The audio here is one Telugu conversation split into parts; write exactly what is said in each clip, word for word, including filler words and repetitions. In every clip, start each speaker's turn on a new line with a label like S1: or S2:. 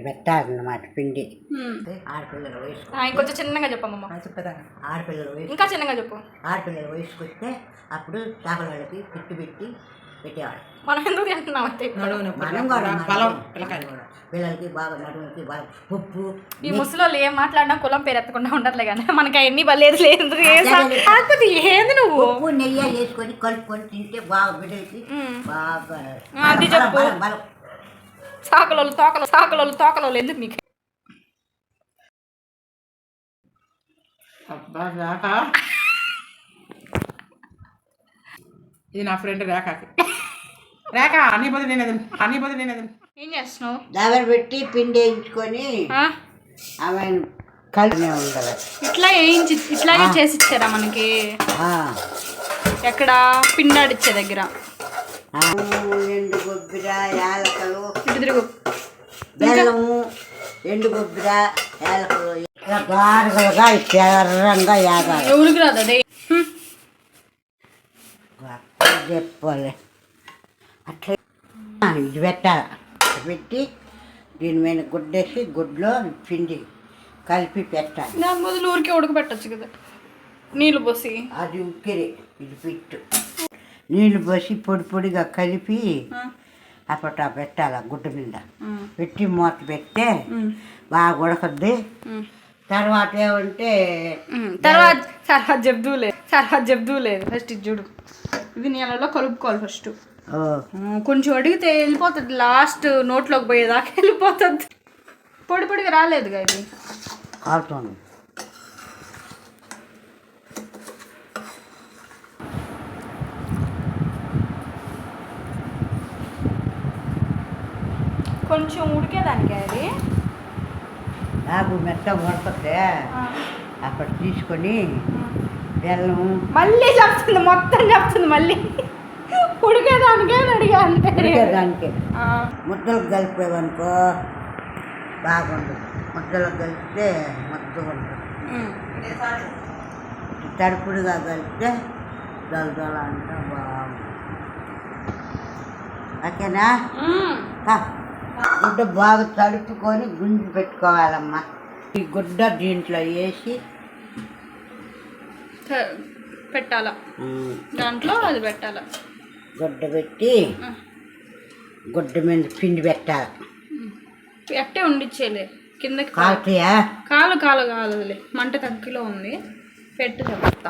S1: పెట్టాలన్నమాట పిండి. ఆడపిల్లల వయసు
S2: ఇంకొంచెం చిన్నగా చెప్పమ్మా.
S1: చెప్పదా ఆడపిల్లల వయసు
S2: ఇంకా చిన్నగా చెప్పు.
S1: ఆడపిల్లల వయసుకు వస్తే అప్పుడు చేపల వాళ్ళకి పిట్టు పెట్టి పెట్టేవాడు.
S2: మనం ఎందుకు తింటున్నాం అంటే
S1: మనం కూడా పిల్లలకి బాగా నడుములకి బాగా ఉప్పు.
S2: ఈ ముసలోళ్ళు ఏం మాట్లాడినా కులం పేరు ఎత్తకుండా ఉండట్లే కానీ మనకి అవన్నీ బలేదు లేదు. కాకపోతే ఏంది నువ్వు
S1: ఉప్పు నెయ్యి వేసుకొని కలుపుకొని తింటే బాగా బిడ్డలకి బాగా
S2: అది చెప్పు. సాకలోళ్ళు తోకలు సాకలోళ్ళు తోకలోళ్ళు ఎందుకు మీకు?
S3: అబ్బా రేఖ, ఇది నా ఫ్రెండ్ రేఖకి. రేఖ అన్ని పోతే నేను అన్ని పోతే నేను
S2: ఏం చేస్తున్నావు?
S1: దగ్గర పెట్టి పిండి వేయించుకొని ఆమె కలిసి ఉండాలి.
S2: ఇట్లా వేయించి ఇట్లాగే చేసి ఇచ్చారా మనకి? ఎక్కడ పిండాడిచ్చే దగ్గర
S1: ఎండు కొబ్బరి యాలకలు
S2: ఇటు తిరుగు
S1: బెల్లము ఎండు కొబ్బరి యాలకలు గారుగులుగా ఎర్రంగా యాగాలి.
S2: ఎవరికి రాదు అదే
S1: చెప్పాలి. అట్లా ఇది పెట్టాలి. పెట్టి దీని మీద గుడ్డేసి గుడ్లో పిండి కలిపి పెట్టాలి.
S2: దాని బదులు ఊరికే ఉడకబెట్టచ్చు కదా నీళ్ళు పోసి.
S1: అది ఉక్కిరి ఇది పిట్టు నీళ్ళు పోసి పొడి పొడిగా కలిపి అప్పట పెట్టాలి. గుడ్డ మీద పెట్టి మూత పెడితే బాగా ఉడకద్ది. తర్వాత ఏమంటే
S2: తర్వాత తర్వాత చెప్దూలే తర్వాత చెప్దూలేదు. ఫస్ట్ ఇది చూడు, ఇది నీళ్ళలో కలుపుకోవాలి. ఫస్ట్ కొంచెం అడిగితే వెళ్ళిపోతుంది, లాస్ట్ నోట్లోకి పోయేదాకా వెళ్ళిపోతుంది. పొడి పొడిగా రాలేదుగా ఇది.
S1: కాలుతుంది.
S2: కొంచెం ఉడికేదానికి అది
S1: నాకు మెత్త ఉడకతే అప్పుడు తీసుకొని బెల్లం
S2: మళ్ళీ చెప్తుంది, మొత్తం చెప్తుంది మళ్ళీ. ఉడికేదానికే అడిగా అంతే.
S1: ఉడికేదానికి ముద్దలకు కలిపేవనుకో బాగుండదు. ముద్దలకు కలిపితే ముద్దగా ఉంటుంది. తడుపుడుగా కలిపితే దొల దొల అంటే బాగుంటుంది. ఓకేనా? గుడ్డ బాగా తడుపుకొని గుంజి పెట్టుకోవాలమ్మా. ఈ గుడ్డ దీంట్లో వేసి
S2: పెట్టాలా, దాంట్లో అది పెట్టాలా.
S1: గుడ్డ పెట్టి గుడ్డ మీద పిండి పెట్టాలి.
S2: ఎట్టే ఉండిచ్చేలే కిందకి
S1: కాలుతాయా?
S2: కాలు కాలు కాదులే, మంట తగ్గిలో ఉంది. పెట్టు చెప్తా.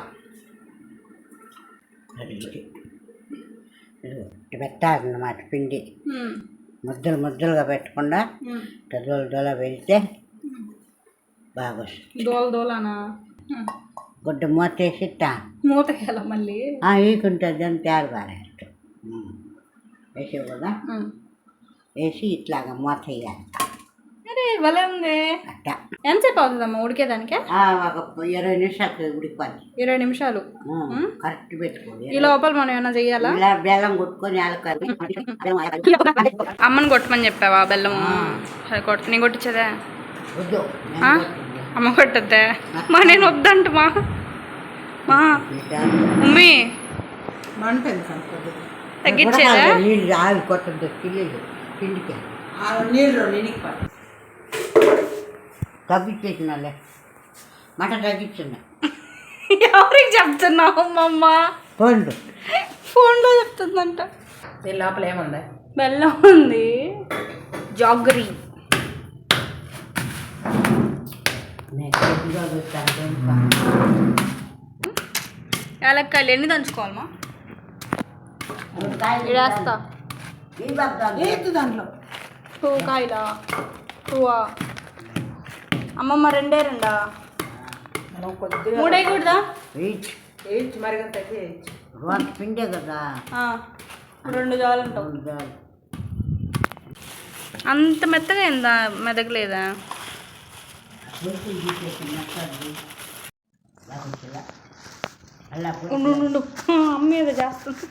S1: పెట్టాలన్నమాట పిండి. ముద్దలు ముద్దలుగా పెట్టకుండా దొల దొల పెడితే బాగా వస్తుంది.
S2: దోల దోలనా
S1: గుడ్డ మూత వేసి ఇట్టా
S2: మూతకేలా మళ్ళీ
S1: వేసుకుంటుంది. దాన్ని తయారు పారేస్తాం. వేసే కదా వేసి ఇట్లాగా మూత వేయాలి.
S2: అరే భలే ఉంది.
S1: అట్టా
S2: ఎంతసేపు అవుతుందమ్మా ఉడికేదానికి?
S1: ఒక ఇరవై నిమిషాలు ఉడికిపోద్ది.
S2: ఇరవై నిమిషాలు
S1: కరెక్ట్ పెట్టుకోండి.
S2: ఈ లోపల మనం ఏమైనా చెయ్యాలా?
S1: ఇలా బెల్లం కొట్టుకొని యాలకాయలు
S2: అమ్మని కొట్టమని చెప్పావా బెల్లము? కొట్ట నేను కొట్టించదా?
S1: వద్దు
S2: అమ్మ కొట్టద్దా? మా నేను వద్దంట మా మా మమ్మీ తగ్గించేదా?
S1: నీళ్ళు ఆవి కొట్టద్దు. పిల్లలు పిండికి
S3: నీళ్ళు
S1: తగ్గించేసినాలే. మట తగ్గించున్నా.
S2: ఎవరికి చెప్తున్నావు అమ్మ?
S1: ఫోన్లు
S2: ఫోన్లో చెప్తుందంట.
S3: దీని లోపల ఏముంది?
S2: బెల్లం ఉంది, జాగరీ. యాలక్కాయలు ఎన్ని దంచుకోవాలమ్మా? వేస్తా
S3: దాంట్లో
S2: టూ కాయలా? టూవా అమ్మమ్మ? రెండే రెండా? మూడే కూడదా?
S3: మరిగంత
S1: పిండే కదా,
S2: రెండు చాలంటావు. అంత మెత్తగా అయిందా? మెదగలేదా? ఉండు అమ్మ ఏదో చేస్తుంది.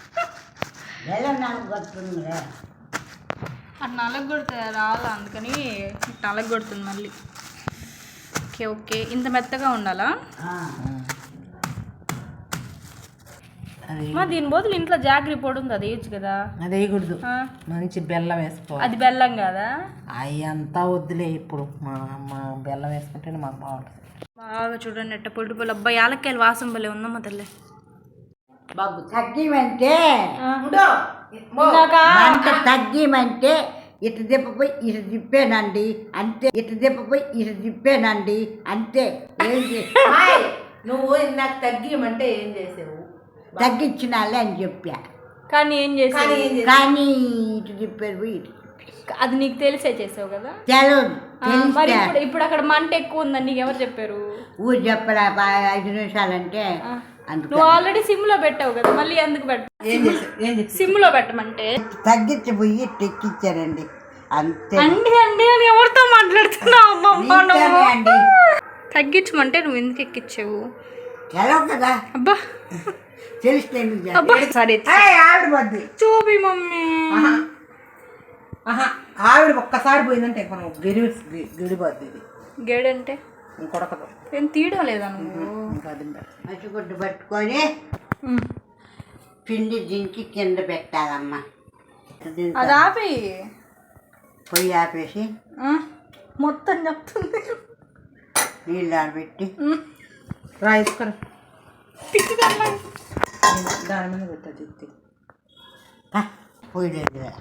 S2: అటు నలగొడితే రాలా, అందుకని నలగొడుతుంది మళ్ళీ. ఓకే ఓకే ఇంత మెత్తగా ఉండాలా? మా దీని బదులు ఇంట్లో జాగ్రీ పొడి ఉంది అది వేయచ్చు కదా.
S3: అది వేయకూడదు,
S2: ఆ,
S3: మంచి బెల్లం వేసుకోవాలి.
S2: అది బెల్లం కదా.
S3: అవి అంతా వద్దులే ఇప్పుడు, మా మా బెల్లం వేసుకుంటేనే మాకు బాగుంటుంది.
S2: బాగా చూడండి ఎట్ట పొడి పొడి. అబ్బాయి యాలక్కాయలు వాసన భలే ఉందమ్మా తల్లి.
S1: బాబు తగ్గిమంటే
S2: ఇందాక
S1: మంట తగ్గిమంటే ఇటు తిప్పపోయి ఇటు తిప్పానండి అంతే, ఇటు తిప్పపోయి ఇటు తిప్పానండి అంతే. ఏం చేసి
S3: నువ్వు ఇందాక తగ్గియమంటే ఏం చేసావు?
S1: తగ్గించినాలే అని చెప్పా,
S2: కానీ ఏం చేసావు?
S1: కానీ ఇటు తిప్పారు పోయి ఇటు తిప్పారు.
S2: అది నీకు తెలిసే చేసావు కదా.
S1: తెలవదు,
S2: ఆ, మరి
S1: తెలిస్తే
S2: ఇప్పుడు ఇప్పుడు అక్కడ మంట ఎక్కువ ఉందని నీకు ఎవరు చెప్పారు?
S1: ఊరు చెప్పరా బా- ఐదు నిమిషాలంటే
S2: ఆ,
S1: అందుకు
S2: నువ్వు ఆల్రెడీ సిమ్ లో పెట్టావు కదా, మళ్ళీ ఎందుకు పెట్ట
S3: ఏం చేసావు? ఏం చేసావు?
S2: సిమ్ లో పెట్టమంటే
S1: తగ్గించిపోయి టెక్కిచ్చారండి అంతే.
S2: అండి అండి అని ఎవరితో మాట్లాడుతున్నావు అమ్మమ్మ
S1: నీతోనే
S2: నువ్వు?
S1: అండి.
S2: తగ్గించమంటే నువ్వు ఎందుకు ఎక్కించావు?
S1: తెలవు కదా,
S2: అబ్బా
S1: తెలిస్తే ఎందుకు చేస్తా?
S2: అబ్బా సరే
S3: ఆవిడ పోద్ది.
S2: చూపి మమ్మీ.
S3: ఆహా, ఆవిడ ఒక్కసారి పోయిందంటే మనం గిరి గిడిపోద్ది. ఇది
S2: గేడంటే
S3: ఇంకొడకదు,
S2: ఏం తీయడం లేదా నువ్వు?
S3: ఇంకా అది
S1: మసిగుడ్డు పట్టుకొని
S2: ఉమ్.
S1: పిండి దించి కింద పెట్టాలమ్మా. దీంతో
S2: అది ఆపి
S1: పొయ్యి ఆపేసి
S2: ఆ, మొత్తం చెప్తుంది.
S1: నీళ్ళు ఆడబెట్టి
S2: ఉమ్.
S3: రా ఇసుకరా,
S2: పిచ్చిదమ్మా.
S3: దాని మీద పెట్టదు ఎత్తి.
S1: పా, పొయ్యి లేదు కదా.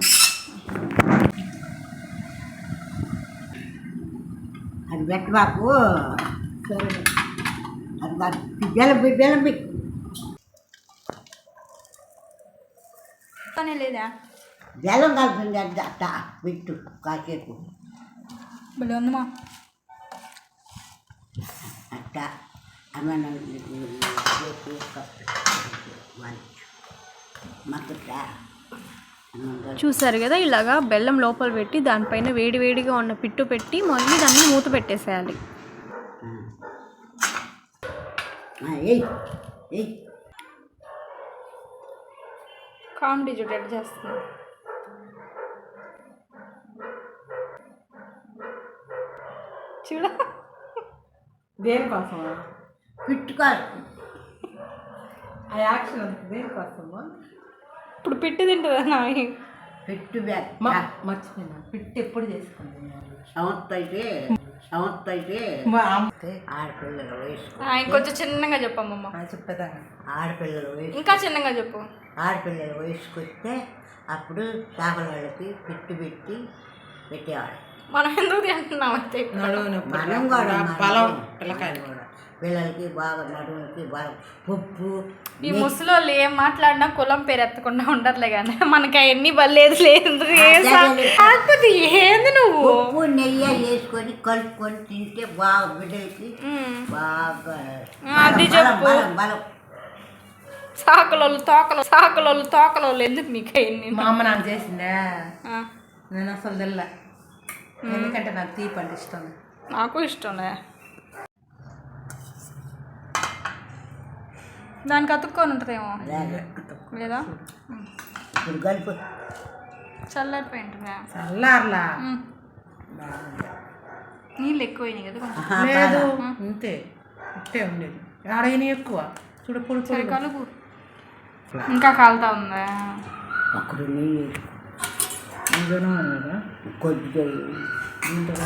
S1: అది పెట్ట బాపు, అది బాపు. బెల్లం పోయి బెల్లం పోయి.
S2: పనే లేదా?
S1: బెల్లం కలుపుతుంది అది అట్ట పెట్టు కాసేపు
S2: భలే ఉందమ్మా.
S1: అట్ట అమ్మ మక్కుట.
S2: చూసారు కదా, ఇలాగా బెల్లం లోపల పెట్టి దానిపైన వేడి వేడిగా ఉన్న పిట్టు పెట్టి మళ్ళీ దాన్ని మూత పెట్టేసేయాలి.
S1: ఏయ్ ఏయ్
S2: కామెడీ చూడు ఎట్లా చేస్తుంది. చూడ
S3: దేనికోసం
S1: పిట్టుకోవాలి.
S3: ఆ యాక్షన్ అంత దేనికోసమా?
S2: ఇప్పుడు పిట్టు తింటుందా నా?
S1: పెట్టు బ్యాగ్
S3: మర్చిపోయినా, పిట్టి ఎప్పుడు చేసుకుంది?
S1: సంవత్సరం అయితే సంవత్సరం అయితే ఆడపిల్లల వయసు
S2: ఇంకొంచెం చిన్నగా చెప్పమ్మమ్మ.
S3: చెప్పేదాన్ని
S1: ఆడపిల్లల వయసు
S2: ఇంకా చిన్నగా చెప్పు.
S1: ఆడపిల్లల వయసుకు వస్తే అప్పుడు చేపల వాళ్ళకి పిట్టు పెట్టి పెట్టేవాడు.
S2: మనం ఎందుకు తింటున్నాం అయితే?
S1: మనం కూడా
S3: బలం పిల్లకాయలు
S1: కూడా పిల్లలకి బాగా నడుములకి బలం. పప్పు
S2: ఈ ముసలోళ్ళు ఏం మాట్లాడినా కులం పేరు ఎత్తకుండా ఉండట్లే కానీ మనకి అవన్నీ బలేదు లేదు. కాకపోతే ఏంది నువ్వు
S1: ఉప్పు నెయ్యి వేసుకొని కలుపుకొని తింటే బాగా బిడ్డలకి బాగా
S2: అది
S1: బలం,
S2: చెప్పు.
S1: బలం బలం.
S2: సాకులోళ్ళు తోకలు సాకులోళ్ళు తోకలోళ్ళు ఎందుకు మీకు అవన్నీ?
S3: మా అమ్మ నాకు చేసిందా?
S2: ఆ,
S3: నేను అసలు తెల్ల, ఎందుకంటే నాకు తీపి అంటే ఇష్టం.
S2: నాకు ఇష్టంలే. దానికి అతుక్కొని ఉంటుందేమో లేదా?
S1: ఇప్పుడు కలుపు
S2: చల్లారిపోయి ఉంటుందా?
S3: చల్లార్లా
S2: ఉమ్. నీళ్ళు ఎక్కువైనాయి కదా కొంచెం.
S3: లేదు, అంతే ఇట్టే ఉండేది. ఆడైన ఎక్కువ చూడ పొడి
S2: సరే
S3: పొడి.
S2: కలుపు. ఇంకా కాలుతా ఉందా?
S1: అక్కడ నెయ్యి
S3: ఇందులో కదా
S1: కొద్దిగా
S3: ఇందులో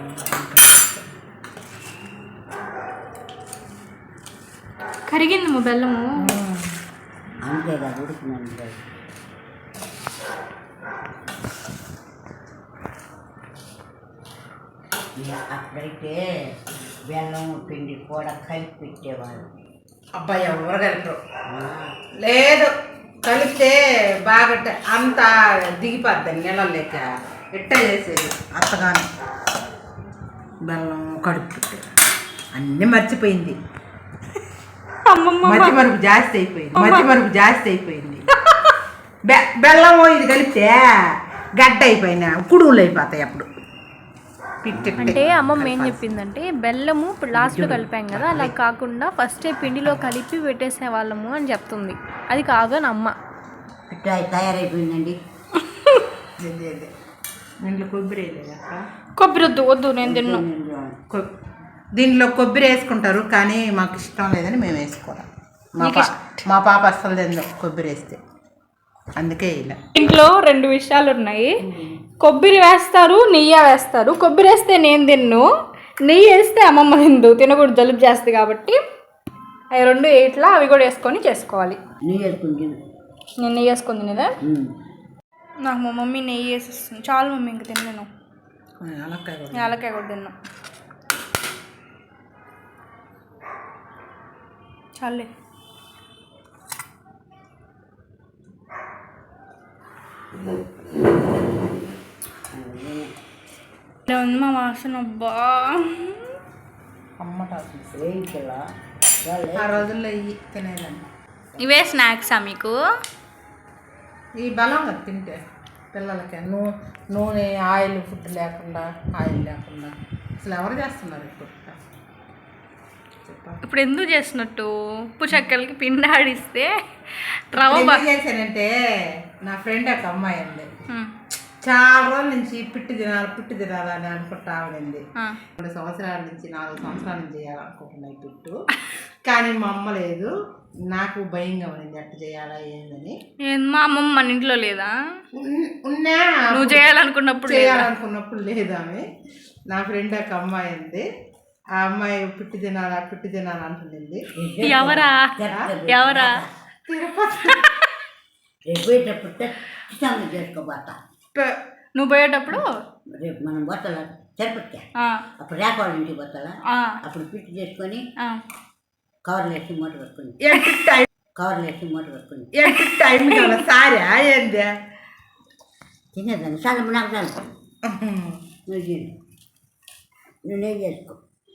S2: కరిగింది మా బెల్లము.
S1: అంతే కదా ఉడికినంతే. అప్పుడైతే బెల్లం పిండి కూడా కలిపి పెట్టేవాళ్ళు.
S3: అబ్బాయి ఎవరు కలిపరు. లేదు, కలిపితే బాగా అంత దిగిపోద్దని నెలలు లేక ఎట్ట చేసేది అత్తగాని బెల్లం కడుపు పెట్టారు. అన్నీ మర్చిపోయింది. మధ్య మరుపు జాస్తి అయిపోయింది. మధ్య మరుపు జాస్తి అయిపోయింది. బె బెల్లం ఇది కలిపితే గడ్డ అయిపోయినా కుడుములు అయిపోతాయి అప్పుడు.
S2: అంటే అమ్మమ్మ ఏం చెప్పిందంటే బెల్లము ఇప్పుడు లాస్ట్లో కలిపాం కదా, అలా కాకుండా ఫస్టే పిండిలో కలిపి పెట్టేసే వాళ్ళము అని చెప్తుంది. అది కాదని అమ్మ.
S1: పిట్టాయి తయారైపోయిందండి.
S3: దీంట్లో కొబ్బరి వేయలేదు అక్క.
S2: కొబ్బరి వద్దు వద్దు నేను తిన్నా.
S3: దీంట్లో కొబ్బరి వేసుకుంటారు కానీ మాకు ఇష్టం లేదని మేము వేసుకోవాలి. మా పా మా పాప అస్సలు తిందు కొబ్బరి వేస్తే, అందుకే ఇలా.
S2: ఇంట్లో రెండు విషయాలు ఉన్నాయి, కొబ్బరి వేస్తారు నెయ్యి వేస్తారు. కొబ్బరి వేస్తే నేను తిన్ను, నెయ్యి వేస్తే అమ్మమ్మ తిందు, తినకూడదు జలుబు చేస్తుంది కాబట్టి. అవి రెండు ఇట్లా అవి కూడా వేసుకొని చేసుకోవాలి.
S1: నెయ్యి వేసుకుని
S2: నేను నెయ్యి వేసుకొని తినేదా? నాకు మా మమ్మీ నెయ్యి వేసిస్తుంది. చాలు మమ్మీ ఇంక తిన్నాను. యాలక్కాయ కూడా తిన్నాను. చాలే. ఉంది మా వాసన. అబ్బా
S3: అమ్మ ఆ రోజుల్లో ఇవి తినేదాన్ని.
S2: ఇవే స్నాక్సా మీకు?
S3: ఈ బలం కదా తింటే పిల్లలకి. నూ నూనె ఆయిల్ ఫుడ్ లేకుండా, ఆయిల్ లేకుండా అసలు ఎవరు చేస్తున్నారు ఇప్పుడు?
S2: ఇప్పుడు ఎందుకు చేసినట్టు? ఉప్పు చెక్కలకి పిండి ఆడిస్తే రవ్వ
S3: చేశానంటే, నా ఫ్రెండ్ ఒక అమ్మాయి ఉంది, చాలా రోజుల నుంచి పిట్టి తినాలి పిట్టి తినాలని అనుకుంటా ఆవిడండి. రెండు సంవత్సరాల నుంచి నాలుగు సంవత్సరాల నుంచి చేయాలనుకుంటున్నాయి పిట్టు, కానీ మా అమ్మ లేదు. నాకు భయంగా ఉంది ఎట్లా చేయాలా ఏందని.
S2: మా అమ్మమ్మ మన ఇంట్లో లేదా?
S3: ఉన్నా
S2: నువ్వు చేయాలనుకున్నప్పుడు
S3: చేయాలనుకున్నప్పుడు లేదామె. నా ఫ్రెండ్ ఒక అమ్మాయి ఉంది, ఆ అమ్మాయి పిట్టి తినాలా పిట్టి తినాలి అంటుంది.
S2: ఎవరా ఎవరా?
S1: చేసుకోబోతా.
S2: నువ్వు పోయేటప్పుడు
S1: రేపు మనం పోతాలా తిరుపతికి, అప్పుడు రేఖ వాళ్ళ ఇంటికి పోతాలా, అప్పుడు పిట్టి చేసుకొని కవర్లు వేసి మూట పెట్టుకుని కవర్లు వేసి మూట పెట్టుకుని
S3: టైం కదా సారా ఏంది
S1: తినేదాన్ని. చాలా నాకు చాలు, నువ్వు చేయండి, నువ్వు నెయ్యి చేసుకో.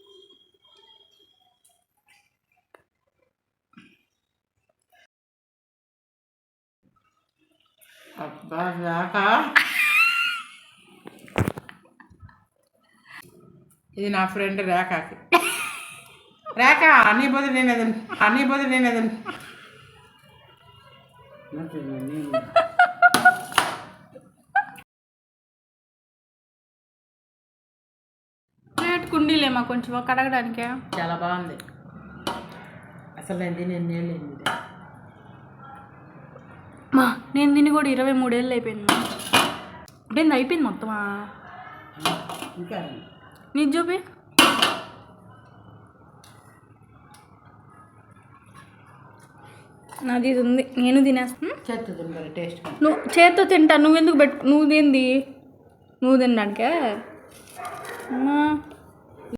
S3: అబ్బా రేఖ, ఇది నా ఫ్రెండ్ రేఖకి. రేఖ అన్నీ బదులు నేను ఎదును అన్నీ బదులు నేను ఎదును
S2: ప్లేట్ కుండీలేమా కొంచెం కడగడానికే?
S3: చాలా బాగుంది అసలు. నేను తిని ఎన్నేళ్ళింది
S2: మా నేను తిని కూడా ఇరవై మూడేళ్ళు అయిపోయింది. అయిపోయింది అయిపోయింది మొత్తమా?
S1: ఇంకా
S2: నీ చూపి. నాది ఇది ఉంది, నేను తినేస్తాను.
S3: చేత్తో తింటారు టేస్ట్.
S2: నువ్వు చేత్తో తింటా, నువ్వెందుకు పెట్టు? నువ్వు తింది నువ్వు తినడానికే అమ్మా.